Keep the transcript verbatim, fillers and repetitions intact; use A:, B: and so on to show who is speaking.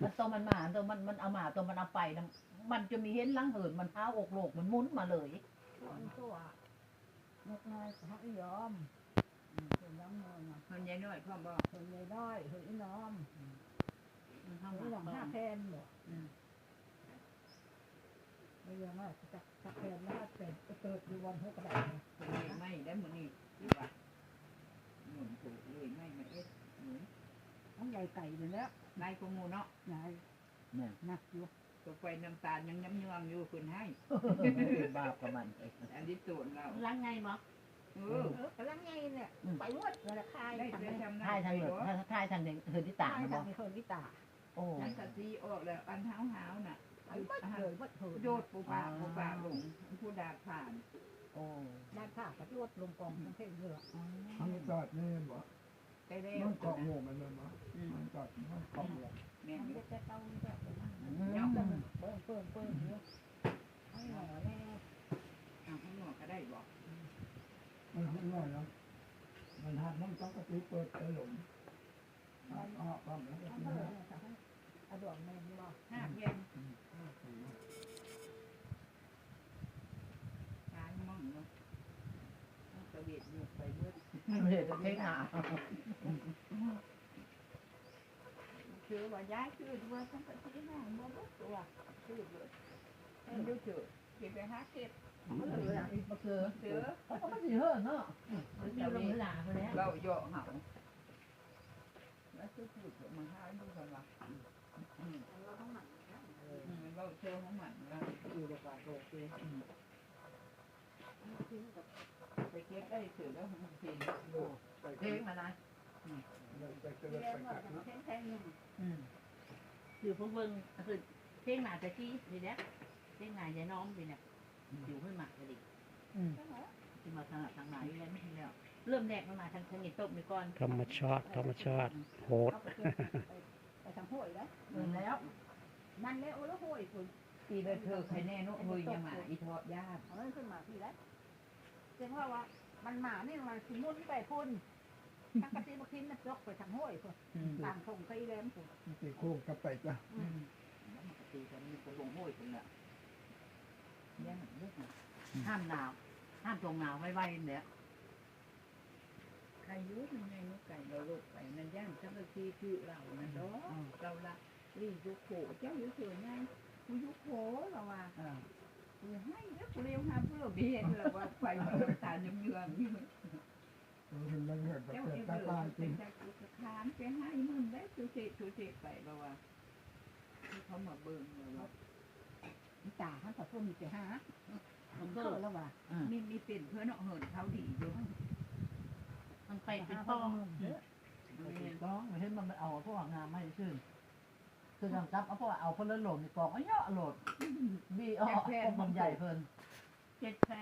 A: มันตัวมันมาตัวมันมันเอามาตัวมันเอาไปนะมันจะมีเห็นลังเหินมันเท้าอกโลกมันมุนมาเลย
B: มันตัวเล็กน้อยเขาไม่ยอมคนน้ำนอน
C: คนใหญ่น้อยพ่อบอก
B: คนใหญ่น้อยคนอีน้อม
A: มันเข้า
B: ไม่หวัง
A: มา
B: ห้าแพนหรอกไม่ยังว่าจะจะแพนแล้วเป็ดเติร์ดอยู่วันเท่ากระดาษ
C: คนใหญ่ไม่ได้หมดนี่ที่ว่าหมุนถูกเลยไม่มาเอ็ดหมุน
B: ต้องใหญ่ไก่เลยแล้ว
C: นายกงูเนาะ
B: นายหนักอยู่
C: ตัวไฟน้ำตาลยังย้ำยวงอยู่คุณให้
A: บาปกับมัน
C: อันนี้ตูนเรา
A: ล้างไงมั้ง
C: เออก
B: ำลังไงเนี่ยไปวดเลยคาย
C: ได้ทำ
A: ทายทางเหนือทายทางเหนือเฮินที่ตา
B: เนาะเฮินที่ตา
C: โอ้ฉันตัดซีออกแล้วอันเท้าหาวน่ะ
B: วัดเลยวัดเถิด
C: โยดปูปาปูปาลงผู้ดาผ่าน
A: โอ้
B: ด้านข้ากับโยดลงกองทั้งเท่เรือ
D: มันจอดนี่บ่
C: ได้ได้
D: มันเกาะงูมันเลยมั้งมันจอดมันเกาะงู
C: แม่
B: จะจะเต้าแบบย่อมเปิ้ลเปิ้ลเปิ้ลเยอะให้หน่อแน่
C: เอาให้หน่อก็ได้บอก
D: มันขึ้นหน่อยนะมันหักมันต้องกระตุ้นเปิดไปหลงมันออกความแล้วก็
B: เอาดวงแม่บอก
C: ห้าเย็นตายมั่งเนาะตะเวียดอยู่ไปเมื่อ
A: เดี๋ยวจะเท่งหา
C: คือว่าย้ายคือว่าต้องไปที่ห้างบ่บ่ตัวคือเลยให้ดูเถอะเก็บไปหาเก็บ
A: มันเหลืออีกมาคือ
C: เสือ
A: เขาก็ไม่สิเหินเนาะมันอยู่ลงหลาไปแล้ว
C: เราเหยาะเหาแล้วคือพูดมาหาดูกันว่าอืมเราต้องหมั่นเราเชื่อของหมั่นนะ
B: อยู่ดีกว่าโลกเลย
C: ไปเก็บได้เสือแล้วมันกิน
A: เท่งมาได้อยู่พวกเบิ้งคือเท่งหนาแต่ที่ดีแล้วเท่งหนาใจน้อมดีเนี่ยอยู่ขึ้นมาก็ดีที่มาทางทางไหนแล้วไม่แล้วเริ่มแรกมันมาทางทางนี้ตกไปก่อน
E: ธรรมชาติธรรมชาติโหด
B: ไปทางห้วยแล้ว
A: เริ่มแล้ว
B: มันแล้วแล้วห้วยคุณ
C: ตีเลยเธอใครแน่นุ้ยยังมาอีทอดยาก
B: เอาขึ้นมาพี่แล้วเจ้าว่าว่ามันหมานี่มันคือมุ่นไปพ่นทางกระติบกินมันยกไปทางห้วยคุณตามทงไปแล้วคุณ
D: ตีโค้งกระไปจ้ะ
C: แล้วมันตีกันมีกระบงห้วยคุณละยังเยอะนะ
A: ห้ามหนาวห้ามตรงหนาวไว้ๆเนี่ย
C: ใครยุ่งยังไงนุ๊กไก่เราลูกไก่นั่นย่างทั้งทีคือเรานั่นเนาะเราละรียุโขเจ้าอยู่เฉยไงกูยุโขเราว่ากูให้แล้วกูเลี้ยงหาเพื่อเบียนเราว่าไฟมันตาเยืองเยืองอยู่
D: มันมันเกิดแบบเกิดตาตายจริง
C: ขานไปให้มึงได้สุเสษสุเสษไปเราว่าเขามาเบิ่งเรา
B: ตาท่านแต่พวกมีแต่หามันก็แล้วว่า
C: มีมีเป็นเพื่อนเหินเขาดีอยู่
A: มันไปเป็นป้องเป็นป้องไม่ใช่มันเอาพวกงามไม่ชื่นคือทำซับเอาพวกเอาคนละโหลดในกองเอาเยอะโหลดบีเอาพวกมันใหญ่เพิ่น
C: เจ็ดแ